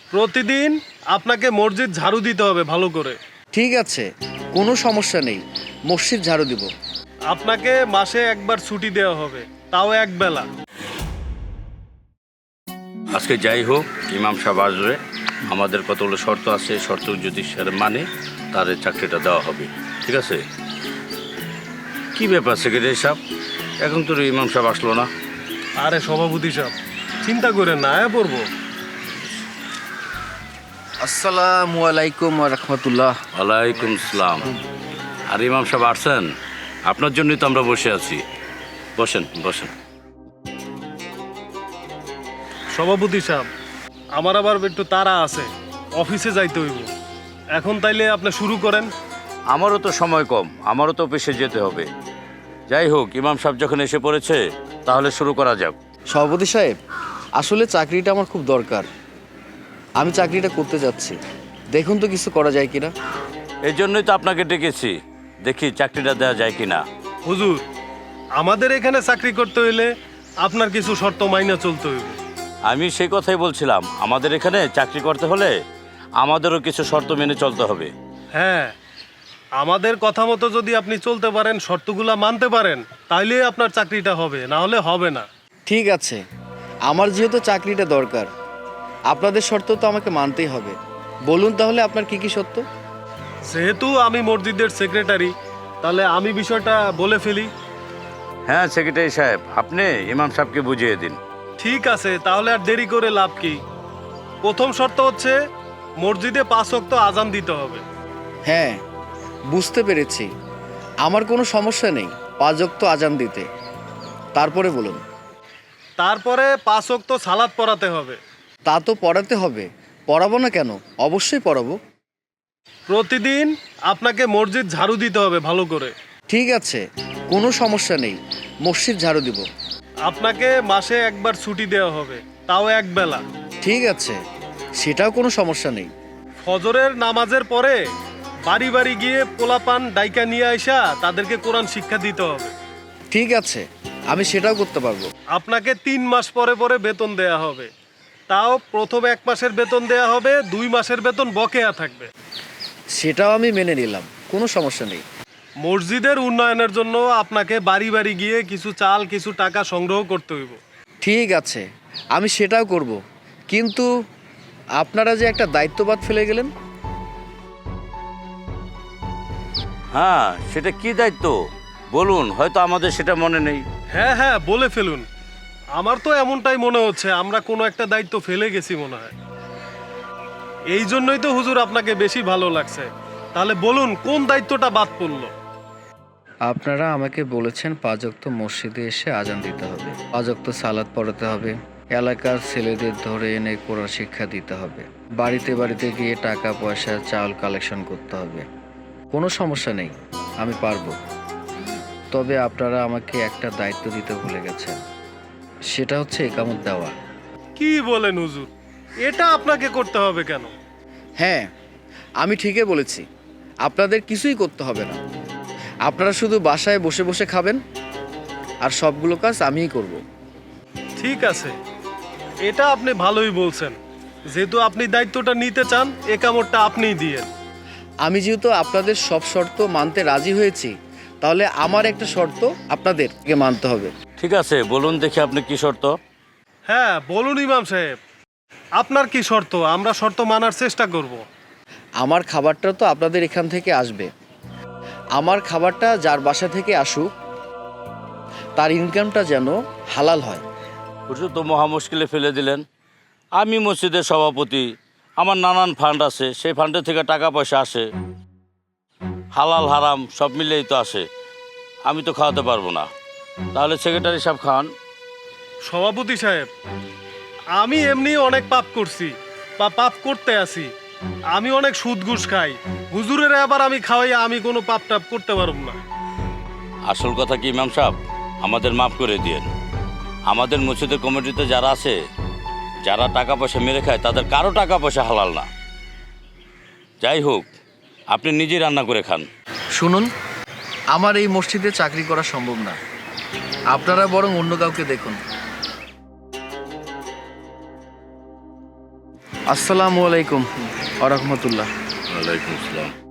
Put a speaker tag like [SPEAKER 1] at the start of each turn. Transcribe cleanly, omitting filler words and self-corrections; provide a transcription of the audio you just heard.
[SPEAKER 1] প্রতিদিন আপনাকে মসজিদ ঝাড়ু দিতে হবে ভালো করে।
[SPEAKER 2] ঠিক আছে, কোনো সমস্যা নেই, মসজিদ ঝাড়ু দিব।
[SPEAKER 1] আপনাকে মাসে একবার ছুটি দেওয়া হবে, তাও এক বেলা।
[SPEAKER 3] আজকে যাই হোক, ইমাম সাহেব আসবে, আমাদের কতগুলো শর্ত আছে, শর্ত যদি স্যার মানে তার চাকরিটা দেওয়া হবে। ঠিক আছে? কি ব্যাপার সেক্রেটারি সাহেব, এখন তো ইমাম সাহেব আসলো না?
[SPEAKER 1] আরে সভাপতি সাহেব, চিন্তা করেন না, আয়া পড়বো।
[SPEAKER 2] আসসালামু আলাইকুম ওয়া রাহমাতুল্লাহ।
[SPEAKER 3] ওয়ালাইকুম আসসালাম। আর ইমাম সাহেব আসছেন? আপনার জন্যই তো আমরা বসে আছি। বসেন বসেন।
[SPEAKER 1] সভাপতি সাহেব, আমার আবার একটু তাড়া আছে, অফিসে যাইতে হইব। এখন তাইলে আপনি শুরু করেন।
[SPEAKER 3] আমারও তো সময় কম, আমারও তো অফিসে যেতে হবে। যাই হোক, ইমাম সাহেব যখন এসে পড়েছে তাহলে শুরু করা যাক।
[SPEAKER 2] সভাপতি সাহেব, আসলে চাকরিটা আমার খুব দরকার, আমি চাকরিটা করতে যাচ্ছি, দেখুন তো কিছু করা যায় কিনা।
[SPEAKER 3] এই জন্যই তো আপনাকে ডেকেছি, দেখি চাকরিটা দেওয়া যায় কিনা।
[SPEAKER 1] হুজুর, আমাদের এখানে চাকরি করতে হইলে আপনার কিছু শর্ত মাইনা চলতে হইবে।
[SPEAKER 3] আমি সেই কথাই বলছিলাম, আমাদের এখানে চাকরি করতে হলে আমাদেরও কিছু শর্ত মেনে চলতে হবে।
[SPEAKER 1] হ্যাঁ, আমাদের কথা মতো যদি আপনি চলতে পারেন, শর্তগুলা মানতে পারেন, তাইলে আপনার চাকরিটা হবে, না হলে হবে না।
[SPEAKER 2] ঠিক আছে, আমার যেহেতু চাকরিটা দরকার, আপনাদের শর্ত তো আমাকে মানতেই হবে। বলুন তাহলে আপনার কি কি শর্ত?
[SPEAKER 1] যেহেতু আমি মসজিদের সেক্রেটারি, তাহলে আমি বিষয়টা বলে ফেলি।
[SPEAKER 3] হ্যাঁ সেক্রেটারি সাহেব, আপনি ইমাম সাহেবকে বুঝিয়ে দিন।
[SPEAKER 1] ঠিক আছে, তাহলে আর দেরি করে লাভ কি। প্রথম শর্ত হচ্ছে মসজিদে 5 ওয়াক্ত আজান দিতে হবে।
[SPEAKER 2] হ্যাঁ, বুঝতে পেরেছি, আমার কোনো সমস্যা নেই 5 ওয়াক্ত আজান দিতে। তারপরে বলুন।
[SPEAKER 1] তারপরে 5 ওয়াক্ত সালাত পড়াতে হবে।
[SPEAKER 2] তা তো পড়াতে হবে, পড়াবো না কেন, অবশ্যই পড়াবো।
[SPEAKER 1] প্রতিদিন আপনাকে মসজিদ ঝাড়ু দিতে হবে ভালো করে।
[SPEAKER 2] ঠিক আছে, কোনো সমস্যা নেই, মসজিদ ঝাড়ু দিব।
[SPEAKER 1] আপনাকে মাসে একবার ছুটি দেওয়া হবে, তাও এক বেলা।
[SPEAKER 2] ঠিক আছে, সেটাও কোনো সমস্যা নেই।
[SPEAKER 1] ফজরের নামাজের পরে বাড়ি বাড়ি গিয়ে পোলাপান ডাইকা নিয়ে আইসা তাদেরকে কোরআন শিক্ষা দিতে হবে।
[SPEAKER 2] ঠিক আছে, আমি সেটাও করতে পারবো।
[SPEAKER 1] আপনাকে 3 মাস পরে পরে বেতন দেয়া হবে, তাও প্রথম 1 মাসের বেতন দেয়া হবে, 2 মাসের বেতন বকেয়া থাকবে।
[SPEAKER 2] সেটাও আমি মেনে নিলাম, কোনো সমস্যা নেই।
[SPEAKER 1] মসজিদের উন্নয়নের জন্য আপনাকে বাড়ি বাড়ি গিয়ে কিছু চাল কিছু টাকা সংগ্রহ করতে হইব।
[SPEAKER 2] ঠিক আছে, আমি সেটাও করব, কিন্তু আপনারা যে একটা দায়িত্ববাদ ফেলে গেলেন।
[SPEAKER 3] হ্যাঁ, সেটা কি দায়িত্ব বলুন, হয়তো আমাদের সেটা মনে নেই।
[SPEAKER 1] হ্যাঁ হ্যাঁ, বলে ফেলুন। আমার তো এমনটাই মনে হচ্ছে, আমরা কোনো একটা দায়িত্ব ফেলে গেছি মনে হয়। এই জন্যই তো হুজুর আপনাকে বেশি ভালো লাগছে। তাহলে বলুন, কোন দায়িত্বটা বাদ পড়লো?
[SPEAKER 2] আপনারা আমাকে বলেছেন 5 ওয়াক্ত মসজিদে এসে আজান দিতে হবে, 5 ওয়াক্ত সালাত পড়াতে হবে, এলাকার ছেলেদের ধরে এনে কোরআন শিক্ষা দিতে হবে, বাড়িতে বাড়িতে গিয়ে টাকা পয়সা চাল কালেকশন করতে হবে। কোনো সমস্যা নেই, আমি পারবো। তবে আপনারা আমাকে একটা দায়িত্ব দিতে ভুলে গেছেন, সেটা হচ্ছে একামত দেওয়া।
[SPEAKER 1] কি বলেন হুজুর, এটা আপনাকে করতে হবে কেন?
[SPEAKER 2] হ্যাঁ, আমি ঠিকই বলেছি, আপনাদের কিছুই করতে হবে না, আপনারা শুধু বাসায় বসে বসে খাবেন, আর সবগুলো কাজ আমিই করব।
[SPEAKER 1] ঠিক আছে, এটা আপনি ভালোই বলছেন। যেহেতু আপনি দায়িত্বটা নিতে চান, এ কামড়টা আপনিই দিয়েন।
[SPEAKER 2] আমি যেহেতু আপনাদের সব শর্ত মানতে রাজি হয়েছি, তাহলে আমার একটা শর্ত আপনাদেরকে মানতে হবে।
[SPEAKER 3] ঠিক আছে, বলুন দেখি আপনি কি শর্ত।
[SPEAKER 1] হ্যাঁ বলুন ইমাম সাহেব, আপনার কি শর্ত? আমরা শর্ত মানার চেষ্টা করব।
[SPEAKER 2] আমার খাবারটা তো আপনাদের এখান থেকে আসবে, আমার খাবারটা যার বাসা থেকে আসুক তার ইনকামটা যেন হালাল হয়।
[SPEAKER 3] হুজুর তো মহা মুশকিলে ফেলে দিলেন। আমি মসজিদের সভাপতি, আমার নানান ফান্ড আছে, সেই ফান্ডের থেকে টাকা পয়সা আসে, হালাল হারাম সব মিলেই তো আসে। আমি তো খাওয়াতে পারবো না, তাহলে সেক্রেটারি সাহেব খান।
[SPEAKER 1] সভাপতি সাহেব, আমি এমনি অনেক পাপ করছি বা পাপ করতে আছি। আমি অনেক সুদ ঘুষ খাই, হুজুরের আবার আমি খাওয়াই, আমি কোনো পাপ টাপ করতে পারব না।
[SPEAKER 3] আসল কথা কি ইমাম সাহেব, আমাদের মাফ করে দিয়েন। আমাদের মসজিদের কমিটিতে যারা আছে, যারা টাকা পয়সা মেরে খায়, তাদের কারো টাকা পয়সা হালাল না। যাই হোক, আপনি নিজেই রান্না করে খান।
[SPEAKER 2] শুনুন, আমার এই মসজিদে চাকরি করা সম্ভব না, আপনারা বরং অন্য কাউকে দেখুন। আসসালামু আলাইকুম আ রহমতুল্লাহ।
[SPEAKER 3] ওয়ালাইকুম আসসালাম।